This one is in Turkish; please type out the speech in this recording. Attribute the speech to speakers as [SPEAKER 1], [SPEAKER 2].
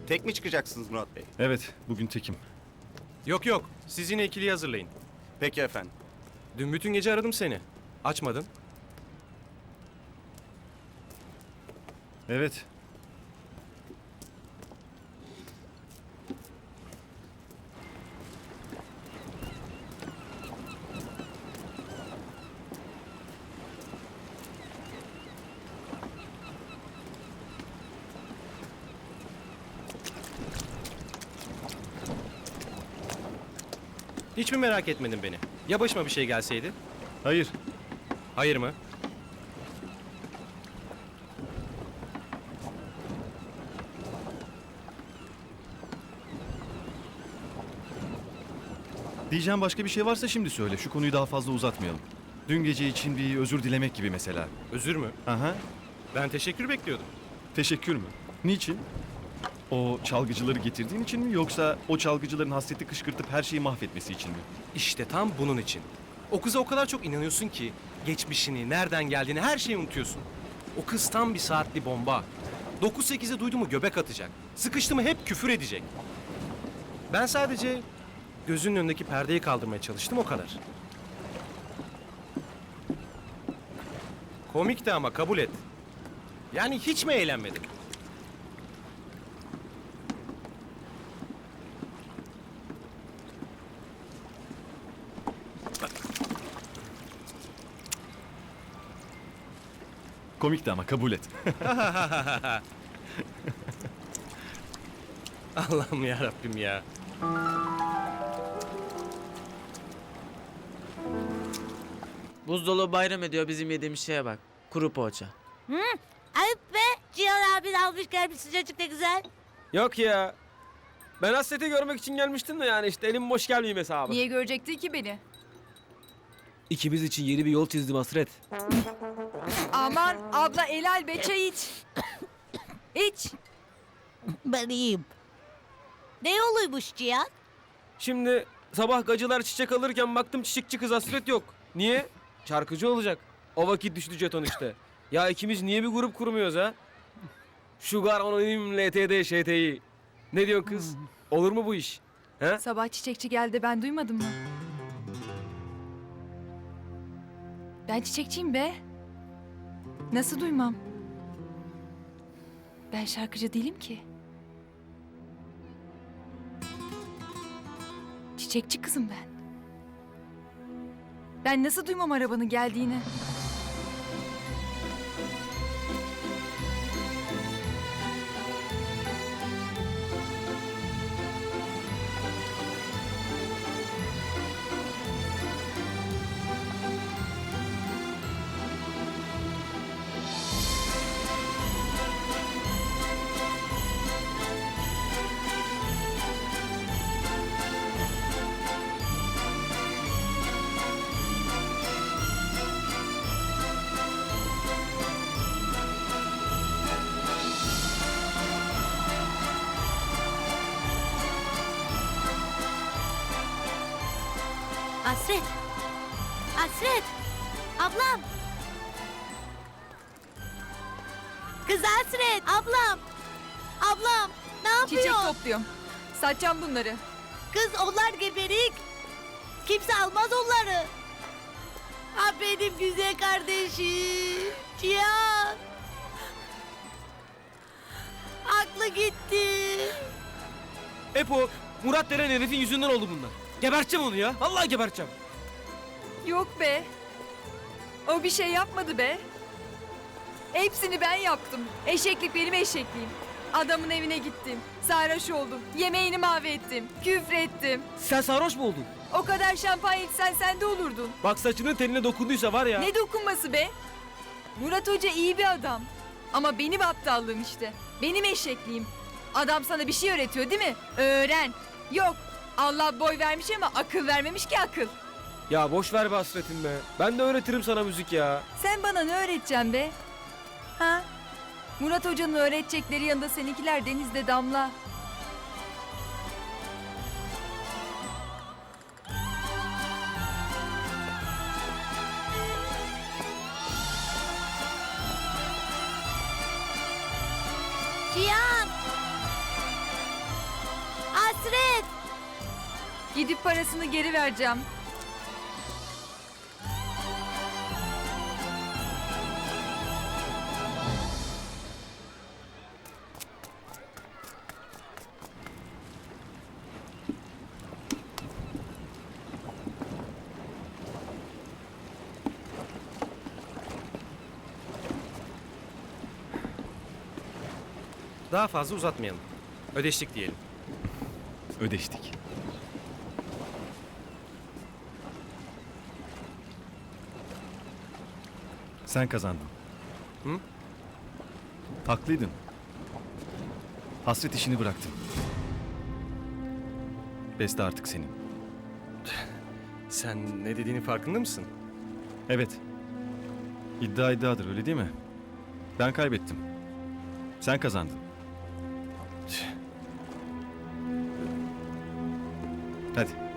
[SPEAKER 1] Tek mi çıkacaksınız Murat Bey?
[SPEAKER 2] Evet, bugün tekim.
[SPEAKER 3] Yok, siz yine ikiliyi hazırlayın.
[SPEAKER 1] Peki efendim.
[SPEAKER 3] Dün bütün gece aradım seni. Açmadın.
[SPEAKER 2] Evet.
[SPEAKER 3] Hiç mi merak etmedin beni? Ya başıma bir şey gelseydi?
[SPEAKER 2] Hayır.
[SPEAKER 3] Hayır mı?
[SPEAKER 2] Diyeceğim başka bir şey varsa şimdi söyle. Şu konuyu daha fazla uzatmayalım. Dün gece için bir özür dilemek gibi mesela.
[SPEAKER 3] Özür mü?
[SPEAKER 2] Aha.
[SPEAKER 3] Ben teşekkür bekliyordum.
[SPEAKER 2] Teşekkür mü? Niçin? O çalgıcıları getirdiğin için mi yoksa o çalgıcıların hasreti kışkırtıp her şeyi mahvetmesi için mi?
[SPEAKER 3] İşte tam bunun için. O kıza o kadar çok inanıyorsun ki geçmişini, nereden geldiğini her şeyi unutuyorsun. O kız tam bir saatli bomba. 9-8'e duydu mu göbek atacak. Sıkıştı mı hep küfür edecek. Ben sadece gözünün önündeki perdeyi kaldırmaya çalıştım o kadar. Komikti ama kabul et. Yani hiç mi eğlenmedin?
[SPEAKER 2] Komikti ama kabul et.
[SPEAKER 3] Allah'ım ya Rabbim ya.
[SPEAKER 4] Buzdolabı bayram ediyor, bizim yediğimiz şeye bak. Kuru poğaça.
[SPEAKER 5] Ayıp be. Cihan abin almış gelmiş sıcacık ne güzel.
[SPEAKER 6] Yok ya. Ben Hasret'i görmek için gelmiştim de yani işte elim boş gelmeyeyim hesabı.
[SPEAKER 7] Niye görecekti ki beni?
[SPEAKER 6] İkimiz için yeni bir yol çizdim Hasret.
[SPEAKER 7] Aman abla helal be, çay iç. İç.
[SPEAKER 5] Ben iyiyim. Ne yoluymuş Cihan?
[SPEAKER 6] Şimdi sabah gacılar çiçek alırken baktım çiçekçi kız Hasret yok. Niye? Şarkıcı olacak. O vakit düştü jeton işte. Ya ikimiz niye bir grup kurmuyoruz ha? Sugar Anonim LTD ŞTİ. Ne diyorsun kız? Olur mu bu iş? He?
[SPEAKER 7] Sabah çiçekçi geldi, ben duymadım mı? Ben çiçekçiyim be. Nasıl duymam? Ben şarkıcı değilim ki. Çiçekçi kızım ben. Ben nasıl duymam arabanın geldiğini?
[SPEAKER 5] Hasret. Hasret. Ablam. Kız Hasret. Ablam. Ablam. Ne yapıyor?
[SPEAKER 7] Çiçek topluyorum. Satacağım bunları.
[SPEAKER 5] Kız onlar geberik. Kimse almaz onları. Ha benim güzel kardeşim. Cihan. Aklı gitti.
[SPEAKER 6] Hep o Murat denen herifin yüzünden oldu bunlar. Geberteceğim onu ya. Vallahi geberteceğim.
[SPEAKER 7] Yok be. O bir şey yapmadı be. Hepsini ben yaptım. Eşeklik benim eşekliğim. Adamın evine gittim. Sarhoş oldum. Yemeğini mahvettim. Küfrettim.
[SPEAKER 6] Sen sarhoş mu oldun?
[SPEAKER 7] O kadar şampanya içsen sen de olurdun.
[SPEAKER 6] Bak saçının teline dokunduysa var ya.
[SPEAKER 7] Ne dokunması be? Murat Hoca iyi bir adam. Ama benim aptallığım işte. Benim eşekliğim. Adam sana bir şey öğretiyor değil mi? Öğren. Yok. Allah boy vermiş ama akıl vermemiş ki akıl.
[SPEAKER 6] Ya boş ver be Hasret'im be. Ben de öğretirim sana müzik ya.
[SPEAKER 7] Sen bana ne öğreteceksin be? Ha? Murat Hoca'nın öğretecekleri yanında seninkiler denizde damla.
[SPEAKER 5] Cihan. Hasret.
[SPEAKER 7] Gidip parasını geri vereceğim.
[SPEAKER 3] Daha fazla uzatmayalım. Ödeştik diyelim.
[SPEAKER 2] Ödeştik. Sen kazandın.
[SPEAKER 3] Hı?
[SPEAKER 2] Haklıydın. Hasret işini bıraktım. Beste artık senin.
[SPEAKER 3] Sen ne dediğinin farkında mısın?
[SPEAKER 2] Evet. İddia iddiadır, öyle değil mi? Ben kaybettim. Sen kazandın. Hadi.